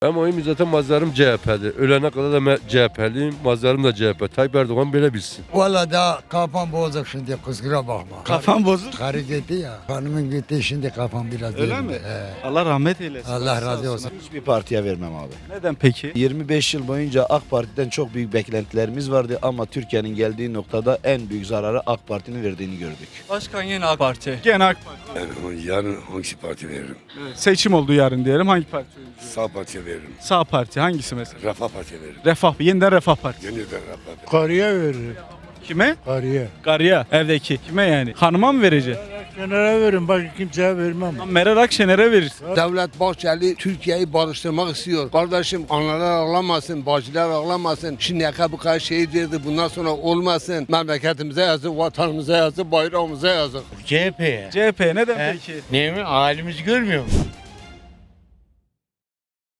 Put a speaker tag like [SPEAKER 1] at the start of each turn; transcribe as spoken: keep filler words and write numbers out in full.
[SPEAKER 1] Ama oyum zaten mazlarım C H P'li. Ölene kadar da C H P'liyim. Mazlarım da C H P. Tayyip Erdoğan böyle bilsin.
[SPEAKER 2] Valla da kafam bozuk şimdi kusura bakma.
[SPEAKER 3] Kafam bozuk.
[SPEAKER 2] Karı gitti ya. Hanımın gitti şimdi kafam biraz
[SPEAKER 3] Öyle
[SPEAKER 2] yerinde.
[SPEAKER 3] mi?
[SPEAKER 2] He.
[SPEAKER 3] Allah rahmet eylesin.
[SPEAKER 2] Allah
[SPEAKER 3] Sağ
[SPEAKER 2] razı olsun.
[SPEAKER 4] Hiçbir partiye vermem abi.
[SPEAKER 3] Neden peki?
[SPEAKER 4] yirmi beş yıl boyunca AK Parti'den çok büyük beklentilerimiz vardı ama Türkiye'nin geldiği noktada en büyük zararı AK Parti'nin verdiğini gördük.
[SPEAKER 5] Başkan yine AK Parti.
[SPEAKER 3] Gene AK Parti.
[SPEAKER 6] Yani yarın hangi parti veririm?
[SPEAKER 3] Evet. Seçim oldu yarın diyelim. Hangi parti oyuncu?
[SPEAKER 6] Sağ partiye veririm.
[SPEAKER 3] Sağ parti hangisi mesela?
[SPEAKER 6] Refah partiye veririm.
[SPEAKER 3] Refah. Yeniden Refah Partisi.
[SPEAKER 6] Yeniden Refah Partisi.
[SPEAKER 7] Karıya veririm.
[SPEAKER 3] Kime?
[SPEAKER 7] Karıya.
[SPEAKER 3] Karıya. Evdeki. Kime yani? Hanıma mı vereceksin?
[SPEAKER 7] Kenara veririm. Bak kimseye vermem.
[SPEAKER 3] Lan Meral Akşener'e verirsin.
[SPEAKER 8] Devlet Bahçeli Türkiye'yi barıştırmak istiyor. Kardeşim analar ağlamasın, bacılar ağlamasın. Şimdiye kadar bu kadar şehit verdi. Bundan sonra olmasın. Memleketimize yazık, vatanımıza yazık, bayrağımıza yazık.
[SPEAKER 9] C H P'ye.
[SPEAKER 3] C H P. Neden
[SPEAKER 9] He?
[SPEAKER 3] peki?
[SPEAKER 9] Ne mi? Halimizi görmüyor musun?